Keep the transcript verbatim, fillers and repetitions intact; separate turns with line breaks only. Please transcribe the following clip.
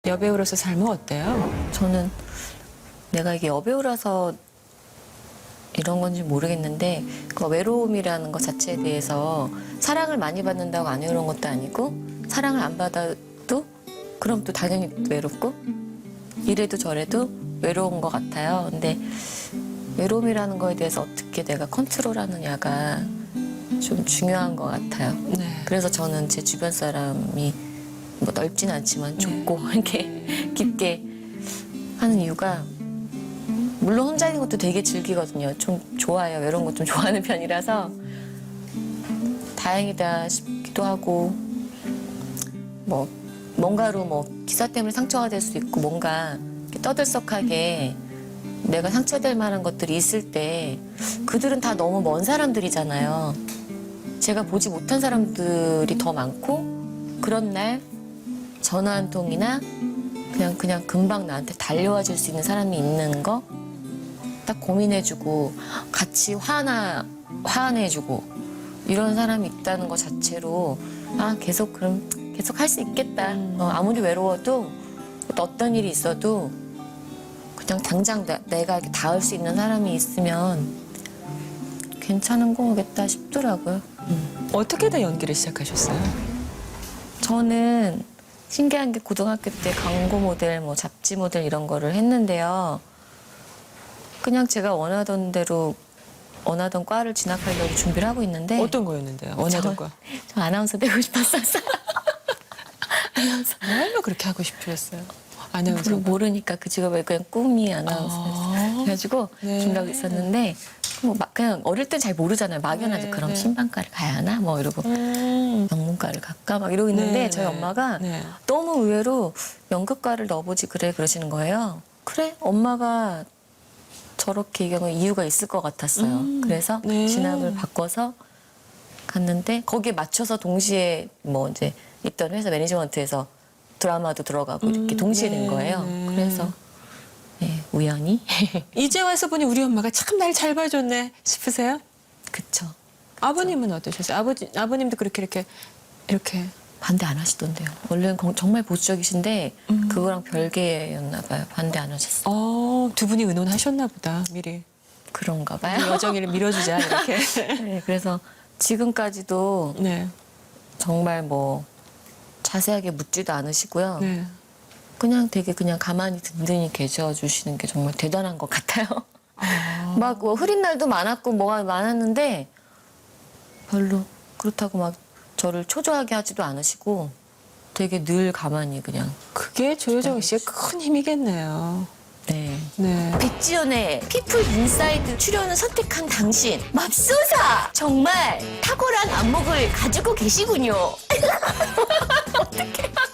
여배우로서 삶은 어때요?
저는 내가 이게 여배우라서 이런 건지 모르겠는데 그 외로움이라는 것 자체에 대해서 사랑을 많이 받는다고 안 외로운 것도 아니고 사랑을 안 받아도 그럼 또 당연히 외롭고 이래도 저래도 외로운 것 같아요. 근데 외로움이라는 거에 대해서 어떻게 내가 컨트롤하느냐가 좀 중요한 것 같아요.
네.
그래서 저는 제 주변 사람이 뭐 넓진 않지만 좁고 이렇게 깊게 하는 이유가 물론 혼자 있는 것도 되게 즐기거든요. 좀 좋아해요. 외로운 거 좀 좋아하는 편이라서 다행이다 싶기도 하고 뭐 뭔가로 뭐 기사 때문에 상처가 될 수도 있고 뭔가 이렇게 떠들썩하게 내가 상처될 만한 것들이 있을 때 그들은 다 너무 먼 사람들이잖아요. 제가 보지 못한 사람들이 더 많고 그런 날 전화 한 통이나 그냥 그냥 금방 나한테 달려와 줄 수 있는 사람이 있는 거 딱 고민해주고 같이 화나 화내주고 이런 사람이 있다는 것 자체로 아 계속 그럼 계속 할 수 있겠다. 어, 아무리 외로워도 어떤 일이 있어도 그냥 당장 내, 내가 이렇게 닿을 수 있는 사람이 있으면 괜찮은 거겠다 싶더라고요. 음.
어떻게 다 연기를 시작하셨어요?
저는 신기한 게 고등학교 때 광고 모델, 뭐 잡지 모델 이런 거를 했는데요. 그냥 제가 원하던 대로 원하던 과를 진학하려고 준비를 하고 있는데
어떤 거였는데요? 원하던 거.
저 아나운서 되고 싶었어요. 아나운서.
정말로 그렇게 하고 싶으셨어요?
그리고
아나운서.
모르니까 그 직업을 그냥 꿈이 아나운서였어요.
아.
그래가지고
네.
준비하고 있었는데 뭐 막 그냥 어릴 땐 잘 모르잖아요. 막연하죠.
네,
그럼
네.
신방과를 가야 하나? 뭐 이러고
음.
영문과를 갈까? 막 이러고 있는데
네,
저희
네.
엄마가
네.
너무 의외로 연극과를 넣어보지 그래 그러시는 거예요. 그래? 엄마가 저렇게 얘기하면 이유가 있을 것 같았어요.
음.
그래서
네.
진학을 바꿔서 갔는데 거기에 맞춰서 동시에 뭐 이제 있던 회사 매니지먼트에서 드라마도 들어가고 이렇게
음,
동시에
네,
된 거예요.
네.
그래서 네, 우연히
이제 와서 보니 우리 엄마가 참 날 잘 봐줬네 싶으세요?
그쵸.
아버님은 어떠셨어요? 아버지, 아버님도 그렇게 이렇게 이렇게
반대 안 하시던데요. 원래는 거- 정말 보수적이신데
음.
그거랑 별개였나 봐요. 반대 안 하셨어요.
어, 두 분이 의논하셨나 보다 미리.
그런가
이
봐요.
여정이를 밀어주자 이렇게.
네, 그래서 지금까지도
네.
정말 뭐 자세하게 묻지도 않으시고요.
네.
그냥 되게 그냥 가만히 든든히 계셔주시는 게 정말 대단한 것 같아요.
아.
막 뭐 흐린 날도 많았고 뭐가 많았는데 별로 그렇다고 막 저를 초조하게 하지도 않으시고 되게 늘 가만히 그냥
그게 조효정 씨의 큰 힘이겠네요.
네.
네.
백지연의 피플 인사이드 출연을 선택한 당신 맙소사 정말 탁월한 안목을 가지고 계시군요. 어떡해.